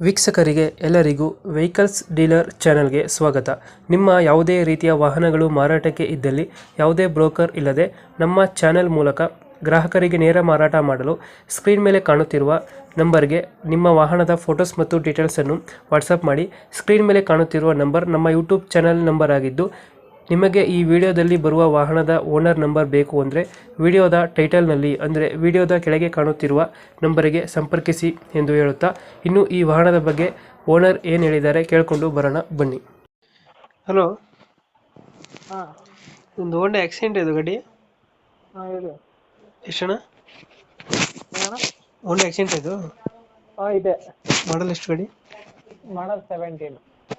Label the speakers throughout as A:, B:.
A: ವೀಕ್ಷಕರಿಗೆ ಎಲ್ಲರಿಗೂ vehicles dealer ಚಾನೆಲ್ಗೆ ಸ್ವಾಗತ. ನಿಮ್ಮ ಯಾವುದೇ ರೀತಿಯ ವಾಹನಗಳು ಮಾರಾಟಕ್ಕೆ ಇದ್ದಲ್ಲಿ ಯಾವುದೇ ಬ್ರೋಕರ್ ಇಲ್ಲದೆ ನಮ್ಮ ಚಾನೆಲ್ ಮೂಲಕ ಗ್ರಾಹಕರಿಗೆ ನೇರ ಮಾರಾಟ ಮಾಡಲು ಸ್ಕ್ರೀನ್ ಮೇಲೆ ಕಾಣುತ್ತಿರುವ ನಂಬರ್ಗೆ ನಿಮ್ಮ ವಾಹನದ ಫೋಟೋಸ್ ಮತ್ತು ಡೀಟೇಲ್ಸನ್ನು ವಾಟ್ಸಪ್ ಮಾಡಿ. ಸ್ಕ್ರೀನ್ ಮೇಲೆ ಕಾಣುತ್ತಿರುವ ನಂಬರ್ ನಮ್ಮ ಯೂಟ್ಯೂಬ್ ಚಾನೆಲ್ ನಂಬರ್ ಆಗಿದ್ದು, ನಿಮಗೆ ಈ ವಿಡಿಯೋದಲ್ಲಿ ಬರುವ ವಾಹನದ ಓನರ್ ನಂಬರ್ ಬೇಕು ಅಂದರೆ ವಿಡಿಯೋದ ಟೈಟಲ್ನಲ್ಲಿ ಅಂದರೆ ವಿಡಿಯೋದ ಕೆಳಗೆ ಕಾಣುತ್ತಿರುವ ನಂಬರಿಗೆ ಸಂಪರ್ಕಿಸಿ ಎಂದು ಹೇಳುತ್ತಾ, ಇನ್ನು ಈ ವಾಹನದ ಬಗ್ಗೆ ಓನರ್ ಏನು ಹೇಳಿದ್ದಾರೆ ಕೇಳಿಕೊಂಡು ಬರೋಣ ಬನ್ನಿ. ಹಲೋ,
B: ಹಾಂ
A: ಒಂದು ಹೋಂಡಾ ಆಕ್ಸಿಡೆಂಟ್ ಇದು ಗಾಡಿ
B: ಹಾಂ ಹೇಳಿ
A: ಎಷ್ಟಣ್ಣ?
B: ಏನಣ್ಣ?
A: ಹೋಂಡಾ ಆಕ್ಸಿಡೆಂಟ್ ಇದು
B: ಹಾಂ ಇದೆ.
A: ಮಾಡಲ್ ಎಷ್ಟು ಗಾಡಿ?
B: ಮಾಡಲ್ 17.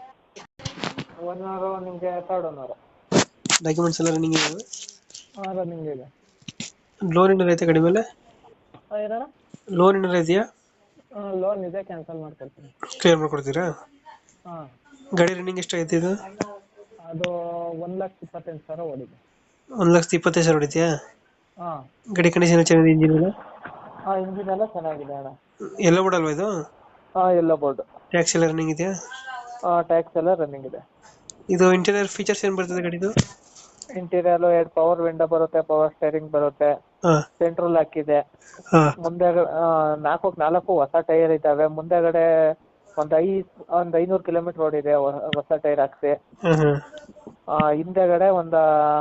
B: ಓನರು ನಿಮಗೆ ಥರ್ಡ್ ಓನರು.
A: ಡಾಕ್ಯುಮೆಂಟ್ಸ್ ಎಲ್ಲ ರನ್ನಿಂಗ್ ಇದೆ?
B: ಹಾಂ ರನ್ನಿಂಗ್ ಇದೆ.
A: ಲೋನ್ ಏನಾರು ಐತೆ ಗಾಡಿ ಮೇಲೆ?
B: ಹಾಂ ಏನಣ್ಣ?
A: ಲೋನ್ ಏನಾರು ಇದೆಯಾ?
B: ಹಾಂ ಲೋನ್ ಇದೆ, ಕ್ಯಾನ್ಸಲ್ ಮಾಡ್ಕೊಡ್ತೀನಿ.
A: ಕ್ಲಿಯರ್ ಮಾಡ್ಕೊಡ್ತೀರಾ?
B: ಹಾಂ
A: ಗಾಡಿ ರನ್ನಿಂಗ್ ಎಷ್ಟು ಐತೆ ಇದು?
B: ಅದು 1,28,000 ಓಡಿದೆ.
A: 1,25,000 ಹೊಡಿತೀಯಾ?
B: ಹಾಂ
A: ಗಾಡಿ ಕಂಡೀಷನ್ ಚೆನ್ನಾಗಿದೆ, ಇಂಜಿನ್ ಎಲ್ಲ?
B: ಹಾಂ ಇಂಜಿನ್ ಎಲ್ಲ ಚೆನ್ನಾಗಿದೆ ಅಣ್ಣ.
A: ಎಲ್ಲ ಬಿಡಲ್ವಾ ಇದು?
B: ಹಾಂ ಎಲ್ಲ ಬೋರ್ಡು.
A: ಟ್ಯಾಕ್ಸ್ ಎಲ್ಲ ರನ್ನಿಂಗ್ ಇದೆಯಾ?
B: ಹಾಂ ಟ್ಯಾಕ್ಸ್ ಎಲ್ಲ ರನ್ನಿಂಗ್ ಇದೆ.
A: ಇದು ಇಂಟೀರಿಯರ್ ಫೀಚರ್ಸ್ ಏನು ಬರ್ತದೆ ಗಾಡಿದು?
B: ಇಂಟೀರಿಯರ್ 2 ಪವರ್ ವಿಂಡೋ ಬರುತ್ತೆ, ಪವರ್ ಸ್ಟೇರಿಂಗ್ ಬರುತ್ತೆ,
A: ಹಾಂ
B: ಸೆಂಟ್ರಲ್ ಹಾಕಿದೆ.
A: ಹಾಂ
B: ಮುಂದೆ 4 ಹೊಸ ಟೈರ್ ಇದ್ದಾವೆ. ಮುಂದೆಗಡೆ ಒಂದು 500 ಕಿಲೋಮೀಟರ್ ಓಡಿದೆ ಹೊಸ ಟೈರ್ ಹಾಕ್ಸಿ.
A: ಹಾಂ ಹಾಂ
B: ಹಿಂದೆಗಡೆ ಒಂದು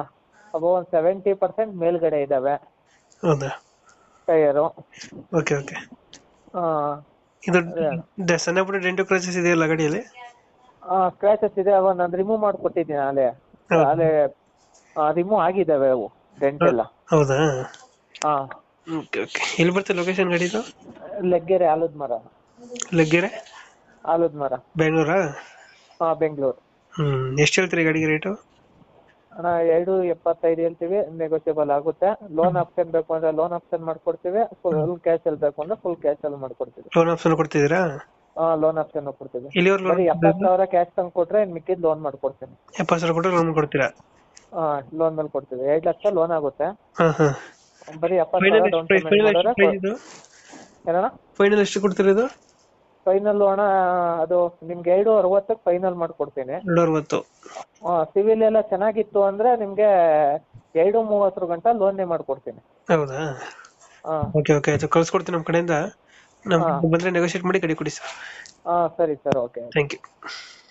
B: 70% ಮೇಲ್ಗಡೆ ಇದ್ದಾವೆ
A: ಹೌದಾ?
B: ಟೈರು.
A: Okay okay. ಇದು ಸಣ್ಣ ಪುಟ್ಟ ಡೆಂಟು ಕ್ರಾಚಸ್ ಇದೆಯಲ್ಲ ಗಾಡಿಯಲ್ಲಿ?
B: ಸ್ಕ್ರಾಚಸ್ ಇದೆ, ಅವ ನಾನು ರಿಮೂವ್ ಮಾಡಿಕೊಟ್ಟಿದ್ದೀನಿ. ಅಲ್ಲೇ ರಿಮೂವ್ ಆಗಿದ್ದಾವೆ ಅವು ಡೆಂಟ್ ಎಲ್ಲ.
A: ಹೌದಾ?
B: ಹಾಂ
A: ಓಕೆ ಓಕೆ. ಎಲ್ಲಿ ಬರ್ತದೆ ಲೊಕೇಶನ್ ಗಾಡಿದು?
B: ಲೆಗ್ಗೆರೆ ಆಲದ ಮರ.
A: ಲಗ್ಗೆರೆ
B: ಆಲದ ಮರ,
A: ಬೆಂಗಳೂರಾ?
B: ಹಾಂ ಬೆಂಗಳೂರು.
A: ಎಷ್ಟು ಹೇಳ್ತೀರಿ ಗಾಡಿಗೆ ರೇಟು?
B: ಅಣ್ಣ 2.75 ಹೇಳ್ತೀವಿ, ನೆಗೋಷಿಯಬಲ್ ಆಗುತ್ತೆ. ಲೋನ್ ಆಪ್ಷನ್ ಬೇಕು ಅಂದ್ರೆ ಲೋನ್ ಆಪ್ಷನ್ ಮಾಡ್ಕೊಡ್ತೀವಿ, ಫುಲ್ ಕ್ಯಾಶ್ ಅಲ್ಲಿ ಬೇಕು ಅಂದ್ರೆ ಫುಲ್ ಕ್ಯಾಶ್ ಅಲ್ಲಿ ಮಾಡ್ಕೊಡ್ತೀವಿ.
A: ಲೋನ್ ಆಪ್ಷನ್ ಕೊಡ್ತಿದ್ದೀರಾ?
B: ಲೋನ್ ಆಪ್ಷನ್ ಕೊಡ್ತೀವಿ.
A: ಎಲ್ಲಿವರೆಗೂ
B: ಬರೀ 70,000 ಕ್ಯಾಶ್ ತಂದು ಕೊಟ್ರೆ ಮಿಕ್ಕಿದ್ ಲೋನ್ ಮಾಡ್ಕೊಡ್ತೀನಿ.
A: 70,000 ಕೊಟ್ಟರೆ ಲೋನ್ ಕೊಡ್ತೀರಾ?
B: ಲೋನ್ ಮೇಲೆ ಕೊಡ್ತೀವಿ. 2 ಲಕ್ಷ ಲೋನ್ ಆಗುತ್ತೆ.
A: ಹಾಂ ಹಾಂ.
B: ಬರೀ 70,000 ಡೌನ್ ಪೇಮೆಂಟ್ ಮಾಡಿದ್ರೆ. ಏನಣ್ಣ?
A: ಫೈನಲ್ ಎಷ್ಟು ಕೊಡ್ತೀರಾ ಇದು?
B: ಫೈನಲ್ ಅಣ್ಣ ಅದು ನಿಮ್ಗೆ 2.60 ಫೈನಲ್ ಮಾಡ್ಕೊಡ್ತೀನಿ.
A: 260.
B: ಸಿವಿಲ್ ಎಲ್ಲ ಚೆನ್ನಾಗಿತ್ತು ಅಂದ್ರೆ ನಿಮ್ಗೆ 2.30 ಗಂಟ ಲೋನ್ನೇ ಮಾಡ್ಕೊಡ್ತೀನಿ.
A: ಹೌದಾ? ಓಕೆ ಓಕೆ, ಆಯ್ತು ಕಳ್ಸ್ಕೊಡ್ತೀನಿ ನಮ್ಮ ಕಡೆಯಿಂದ. ನಮ್ಮ ಬಂದರೆ ನೆಗೋಷಿಯೇಟ್ ಮಾಡಿ ಗಾಡಿ ಕೊಡಿ ಸರ್.
B: ಸರಿ ಸರ್, ಓಕೆ.
A: Thank you.